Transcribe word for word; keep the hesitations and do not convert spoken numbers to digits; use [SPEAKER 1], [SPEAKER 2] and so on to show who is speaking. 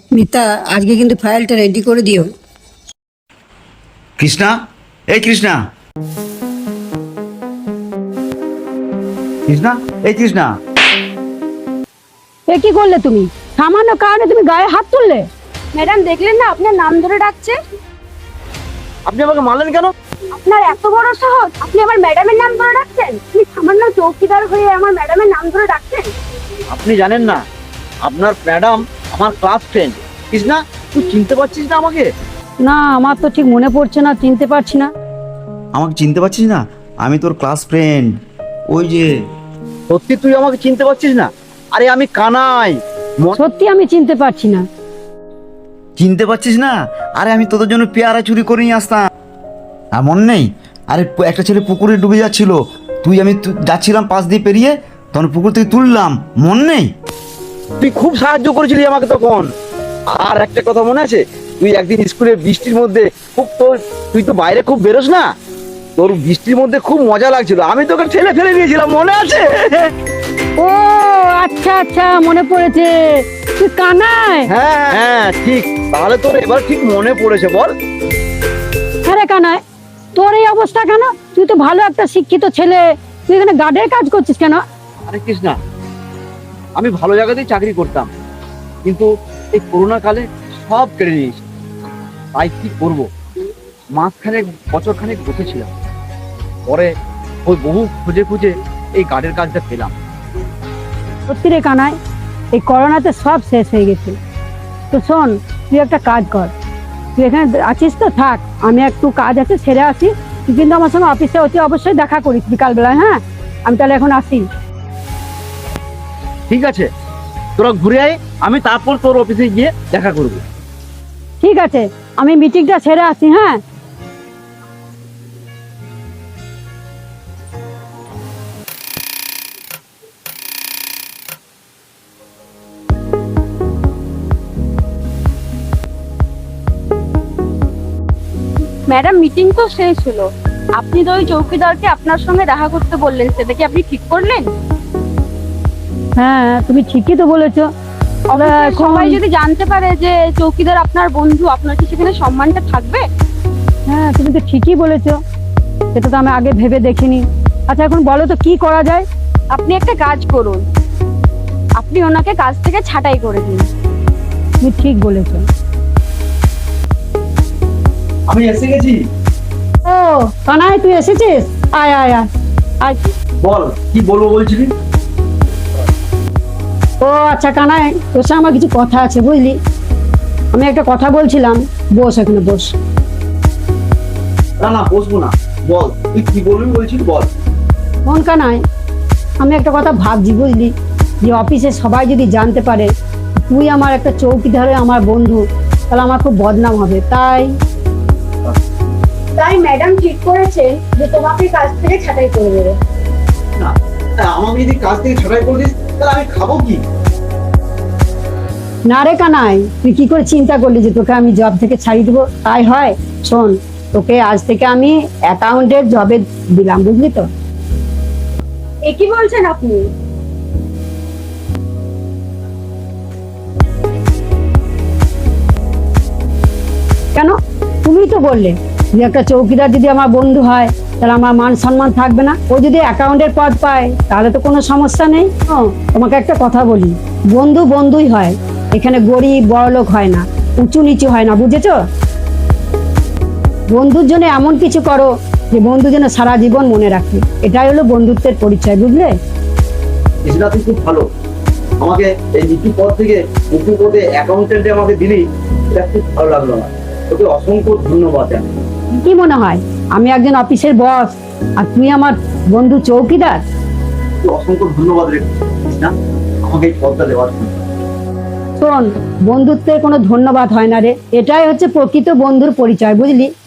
[SPEAKER 1] মিতা, আজকে কিন্তু ফাইলটা রেডি করে দিও।
[SPEAKER 2] কৃষ্ণা, এই কৃষ্ণা, কৃষ্ণা, এই কৃষ্ণা।
[SPEAKER 3] এ কি করলে তুমি? সামান্য কারণে তুমি গায়ে হাত তুললে?
[SPEAKER 4] ম্যাডাম দেখলেন না আপনার নাম ধরে ডাকছে।
[SPEAKER 5] আপনি আমাকে মারলেন কেন?
[SPEAKER 4] আপনার এত বড় সাহস, আপনি আমার ম্যাডামের নাম ধরে ডাকছেন? আপনি সামান্য চৌকিদার হয়ে আমার ম্যাডামের নাম ধরে ডাকছেন?
[SPEAKER 5] আপনি জানেন না আপনার ম্যাডাম আমার ক্লাস ফ্রেন্ড। কৃষ্ণা, তুই চিনতে পারছিস না আমাকে?
[SPEAKER 3] না, আমার তো ঠিক মনে পড়ছে না, চিনতে পারছি না।
[SPEAKER 2] আমাকে চিনতে পারছিস না? আমি তোর ক্লাস ফ্রেন্ড। ওই যে।
[SPEAKER 5] সত্যি তুই আমাকে চিনতে পারছিস না? আরে আমি কানাই। ম-
[SPEAKER 3] সত্যি আমি চিনতে পারছি না।
[SPEAKER 2] চিনতে পারছিস না? আরে আমি তোদের জন্য পেয়ারা চুরি করে নিয়ে আসতাম। আর মনে নেই? আরে প- একটা ছেলে পুকুরে ডুবে যাচ্ছিল, তুই আমি তু- যাচ্ছিলাম পাশ দিয়ে পেরিয়ে, তখন পুকুর থেকে তুললাম, মনে নেই?
[SPEAKER 5] তুই খুব সাহায্য করেছিলি আমাকে তখন। আর একটা কথা মনে আছে? তুই একদিন স্কুলে বৃষ্টির মধ্যে খুব তোর তুই তো বাইরে খুব বেরোস না, তোর বৃষ্টির মধ্যে খুব মজা লাগছিল, আমি তোকে ঠেলে ফেলে দিয়েছিলাম, মনে আছে?
[SPEAKER 3] ও আচ্ছা আচ্ছা, মনে পড়েছে। তুই কানাই?
[SPEAKER 5] হ্যাঁ হ্যাঁ ঠিক। তাহলে তোর এবার ঠিক মনে পড়েছে, বল।
[SPEAKER 3] আরে কানাই, তোর এই অবস্থা কেন? তুই তো ভালো একটা শিক্ষিত ছেলে, তুই এখানে গার্ডের কাজ করছিস কেন?
[SPEAKER 5] আরে কৃষ্ণা, আমি ভালো জায়গাতেই চাকরি করতাম, কিন্তু এই করোনা কালে সব কেড়ে নিয়েছে। তাই কি করবো, মাঝখানে বছর খানেক বসেছিলাম, পরে ওই বহু খুঁজে খুঁজে এই গার্ডের কাজটা পেলাম।
[SPEAKER 3] সত্যি রে কানাই, এই করোনাতে সব শেষ হয়ে গেছে। তো শোন, তুই একটা কাজ কর, তুই এখানে আছিস তো থাক, আমি একটু কাজ আছে সেরে আসি। তুই কিন্তু আমার সঙ্গে অফিসে অতি অবশ্যই দেখা করিস বিকালবেলায়। হ্যাঁ, আমি তাহলে এখন আসি।
[SPEAKER 5] ঠিক আছে, তোরা ঘুরে আয়, আমি তারপর তোর অফিসে গিয়ে দেখা করবো।
[SPEAKER 3] ঠিক আছে, আমি মিটিংটা সেরে আসি। হ্যাঁ,
[SPEAKER 4] ম্যাডাম মিটিং তো শেষ হলো, আপনি তো ওই চৌকিদারকে আপনার সঙ্গে দেখা করতে বললেন, সেটা কি আপনি ঠিক করলেন?
[SPEAKER 3] হ্যাঁ, তুমি ঠিকই তো বলেছো।
[SPEAKER 4] অবশ্যই
[SPEAKER 3] এখন-
[SPEAKER 4] সবাই যদি জানতে পারে যে চৌকিদার আপনার বন্ধু, আপনার কি সেখানে সম্মানটা থাকবে?
[SPEAKER 3] হ্যাঁ, তুমি তো ঠিকই বলেছো, সেটা তো আমি আগে ভেবে দেখিনি। আচ্ছা, এখন বলো তো কি করা যায়?
[SPEAKER 4] আপনি একটা কাজ করুন, আপনি ওনাকে কাজ থেকে ছাঁটাই করে দিন।
[SPEAKER 3] তুমি ঠিক বলেছো।
[SPEAKER 5] আমি এসে গেছি।
[SPEAKER 3] ও কানাই, তুই এসেছিস? আয় আয় আয় আয়।
[SPEAKER 5] বল, কি বলবো বলছিলি?
[SPEAKER 3] ও আচ্ছা কানাই, তোর সঙ্গে আমার কিছু কথা আছে বুঝলি। আমি একটা কথা বলছিলাম, বস এখানে বস।
[SPEAKER 5] না না, বসবো না, বল তুই কি বলবি বলছিস, বল।
[SPEAKER 3] মন কানাই, আমি একটা কথা ভাবছি বুঝলি, যে অফিসে সবাই যদি জানতে পারে তুই আমার একটা চৌকিদারে আমার বন্ধু, তাহলে আমার খুব বদনাম হবে। তাই
[SPEAKER 4] তাই ম্যাডাম ঠিক করেছেন যে তোমাকে কাজ থেকে ছাঁটাই করে দেবে।
[SPEAKER 5] না, আমাকে যদি কাজ থেকে ছাড়াই করে দিস তাহলে আমি খাবো কি?
[SPEAKER 3] না রে কানাই, তুই কি করে চিন্তা করলি যে তোকে আমি জব থেকে ছাড়িয়ে দেবো? তাই হয়? শোন, তোকে আজ থেকে আমি অ্যাকাউন্টের জবে দিলাম, বুঝলি তো?
[SPEAKER 4] এ কি বলছেন আপনি?
[SPEAKER 3] কেন? তুমি তো বললে যে একটা চৌকিদার যদি আমার বন্ধু হয় তাহলে আমার মান সম্মান থাকবে না। ও যদি অ্যাকাউন্টের পদ পায় তাহলে তো কোনো সমস্যা নেই। ও, তোমাকে একটা কথা বলি, বন্ধু বন্ধুই হয়, এখানে গরিব বড়লোক হয় না, উঁচু নিচু হয় না, বুঝেছো? বন্ধুর জন্য এমন কিছু করো যে বন্ধু যেন সারা জীবন মনে রাখে, এটাই হলো বন্ধুত্বের পরিচয়, বুঝলে?
[SPEAKER 5] কৃষ্ণা, তুই খুব ভালো, আমাকে এই নিচু পদ থেকে উঁচু পদে অ্যাকাউন্টেন্টে আমাকে দিলি, এটা খুব ভালো লাগলো না। তোকে অসংখ্য ধন্যবাদ জানাই।
[SPEAKER 3] কি মনে হয় আমি একজন অফিসের বস আর তুই আমার বন্ধু চৌকিদার?
[SPEAKER 5] তোকে অসংখ্য ধন্যবাদ রে কৃষ্ণা, আমাকে এই পদটা দেওয়ার জন্য।
[SPEAKER 3] শোন, বন্ধুত্বের কোনো ধন্যবাদ হয় না রে, এটাই হচ্ছে প্রকৃত বন্ধুর পরিচয়, বুঝলি?